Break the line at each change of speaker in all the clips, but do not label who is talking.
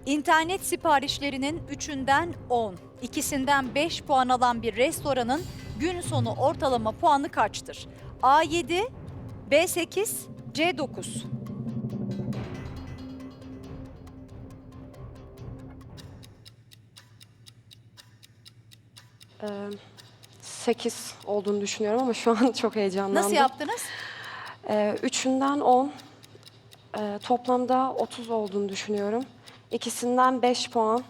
İnternet siparişlerinin 3'ünden 10, ikisinden 5 puan alan bir restoranın gün sonu ortalama puanı kaçtır? A7, B8, C9.
Ee, 8 olduğunu düşünüyorum ama şu an çok heyecanlandım.
Nasıl yaptınız?
3'ünden 10, toplamda 30 olduğunu düşünüyorum. İkisinden 5 puan,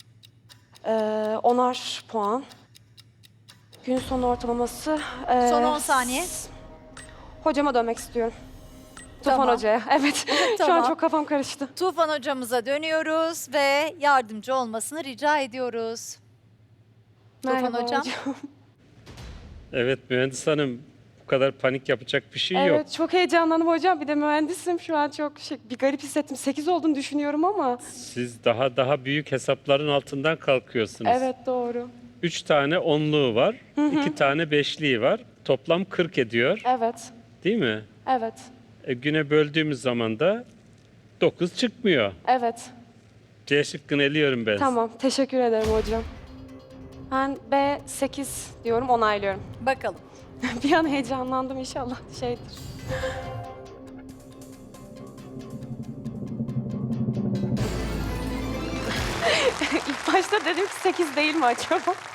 10'ar puan. Gün sonu ortalaması...
Son 10 saniye.
Hocama dönmek istiyorum. Tufan
Tamam.
Hoca'ya, evet. Şu
Tamam.
an çok kafam karıştı.
Tufan hocamıza dönüyoruz ve yardımcı olmasını rica ediyoruz.
Merhaba
hocam.
Evet mühendis hanım, bu kadar panik yapacak bir şey yok.
Evet, çok heyecanlandım hocam. Bir de mühendisim. Şu an çok bir garip hissettim. 8 olduğunu düşünüyorum ama.
Siz daha büyük hesapların altından kalkıyorsunuz.
Evet, doğru.
3 tane onluğu var, 2 tane beşliği var. Toplam 40 ediyor,
Evet,
değil mi?
evet,
Güne böldüğümüz zaman da 9 çıkmıyor.
evet.
C şıkkını eliyorum ben.
Tamam, teşekkür ederim hocam. Ben B8 diyorum, onaylıyorum.
Bakalım.
Bir an heyecanlandım, inşallah şeydir. İlk başta dedim ki 8 değil mi acaba?